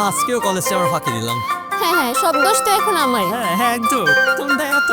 আজকেও কলেজে আমরা ফাঁকি দিলাম। হ্যাঁ হ্যাঁ, সব দোষ তো এখন আমারই। হ্যাঁ হ্যাঁ, একদম তোমরা এত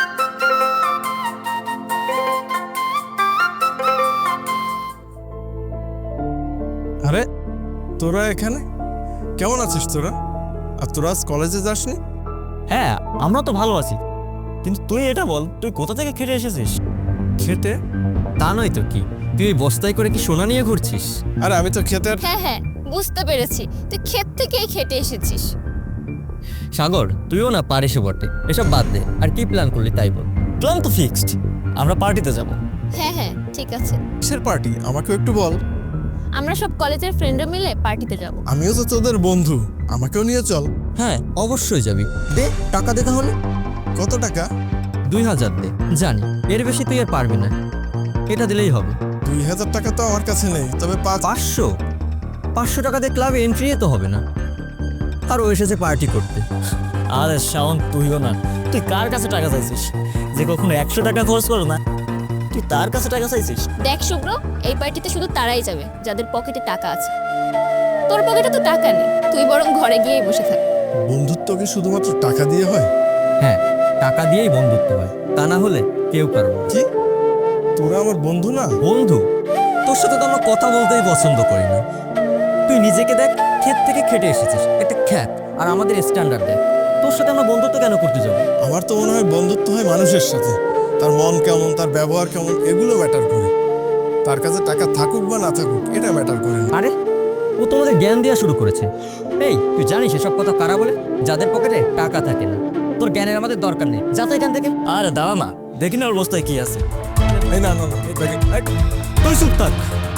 আরে তোরা এখানে কেমন আছিস তোরা? আর তোরা আজ কলেজে যাসনি? হ্যাঁ, আমরা তো ভালো আছি, কিন্তু তুই এটা বল, তুই কোথা থেকে খেটে এসেছিস? খেতে? তা নয় তো কি, তুই এই বস্তায় করে কি সোনা নিয়ে ঘুরছিস? আরে আমি তো খেতে হ্যাঁ হ্যাঁ, বুঝতে পেরেছি, তুই ক্ষেত থেকেই খেটে এসেছিস। সাগর, তুইও না পারিস বটে, এসব বাদ দে। আর কি প্ল্যান করলি তাই বল। প্ল্যান তো ফিক্সড, আমরা পার্টিতে যাব। হ্যাঁ হ্যাঁ, ঠিক আছে। কিসের পার্টি আমাকে একটু বল। আমরা সব কলেজের ফ্রেন্ডরা মিলে পার্টিতে যাব। আমিও তো তোদের বন্ধু, আমাকেও নিয়ে চল। হ্যাঁ অবশ্যই যাবি। দে টাকা দে তাহলে। কত টাকা? 2000 দে। জানি এর বেশি তুই আর পারবি না, এটা দিলেই হবে। 2000 টাকা তো আমার কাছে নেই, তবে 500 টাকা দিয়ে ক্লাবে এন্ট্রি তো হবে না। আর ও এসেছে পার্টি করতে। আরে শাওন, তুইও না, তুই কার কাছে টাকা চাইছিস? যে কখনো 100 টাকা খরচ করো না, তুই তার কাছে টাকা চাইছিস? দেখ শুভ্র, এই পার্টিতে শুধু তারাই যাবে যাদের পকেটে টাকা আছে। তোর পকেটে তো টাকা নেই, তুই বরং ঘরে গিয়েই বসে থাক। বন্ধুত্ব কি শুধুমাত্র টাকা দিয়ে হয়? হ্যাঁ, টাকা দিয়েই বন্ধুত্ব হয়, তা না হলে কেউ পারবে না। কি তোরা আমার বন্ধু না? বন্ধু? তোর সাথে তো আমরা কথা বলতেই পছন্দ করি না। তুই নিজেকে দেখ, ক্ষেত থেকে খেটে এসেছিস, একটা খ্যাত, আর আমাদের স্ট্যান্ডার্ড দেখ। তোর সাথে আমরা বন্ধুত্ব কেন করতে যাবো? আমার তো মনে হয় বন্ধুত্ব হয় মানুষের সাথে, তার মন কেমন, তার ব্যবহার কেমন, এগুলো ম্যাটার করে। তার কাছে টাকা থাকুক বা না থাকুক, এটা ম্যাটার করে না। আরে ও তোমাদের জ্ঞান দেওয়া শুরু করেছে। এই তুই জানিস এসব কথা কারা বলে? যাদের পকেটে টাকা থাকে না। তোর জ্ঞানের আমাদের দরকার নেই, যা তো এখান থেকে। আরে দাঁড়া না, দেখি না ওর বস্তায় কি আছে। এই না না না, তুই চুপ থাক।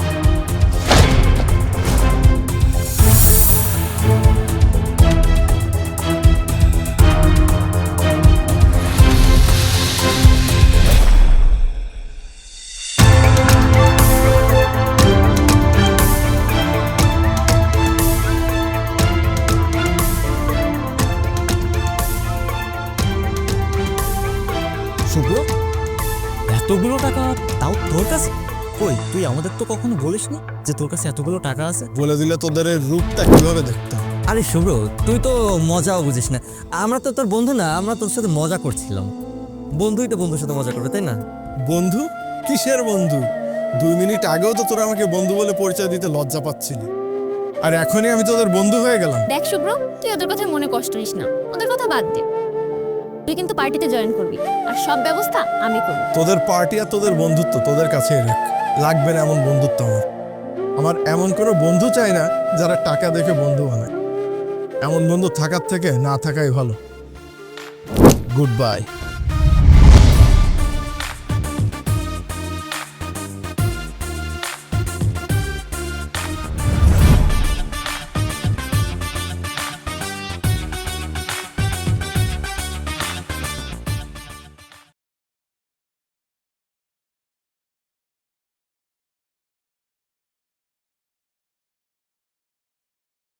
শুভ্র, এতগুলো টাকা তাও তোর কাছে? কই, তুই আমাদের তো কখনো বলিসনি যে তোর কাছে এতগুলো টাকা আছে। বলে দিলে তোদের এই রূপটা কিভাবে দেখতাম। আরে শুভ্র, তুই তো মজাও বুঝিস না। আমরা তো তোর বন্ধু না, আমরা তোর সাথে মজা করছিলাম। বন্ধুই তো বন্ধুর সাথে মজা করবে, তাই না? বন্ধু? কিসের বন্ধু? 2 মিনিট আগেও তো তোরা আমাকে বন্ধু বলে পরিচয় দিতে লজ্জা পাচ্ছিলি, আর এখনই আমি তোদের বন্ধু হয়ে গেলাম। দেখ শুভ্র, তুই ওদের কথা মনে কষ্ট নিস না, ওদের কথা বাদ দে। তুই কিন্তু পার্টিতে জয়েন করবি, আর সব ব্যবস্থা আমি করব। তোদের পার্টি আর তোদের বন্ধুত্ব তোদের কাছেই রাখ, লাগবে না এমন বন্ধুত্ব আমার। আমার এমন কোনো বন্ধু চাই না যারা টাকা দেখে বন্ধু বানায়। এমন বন্ধু থাকার থেকে না থাকাই ভালো। Good by.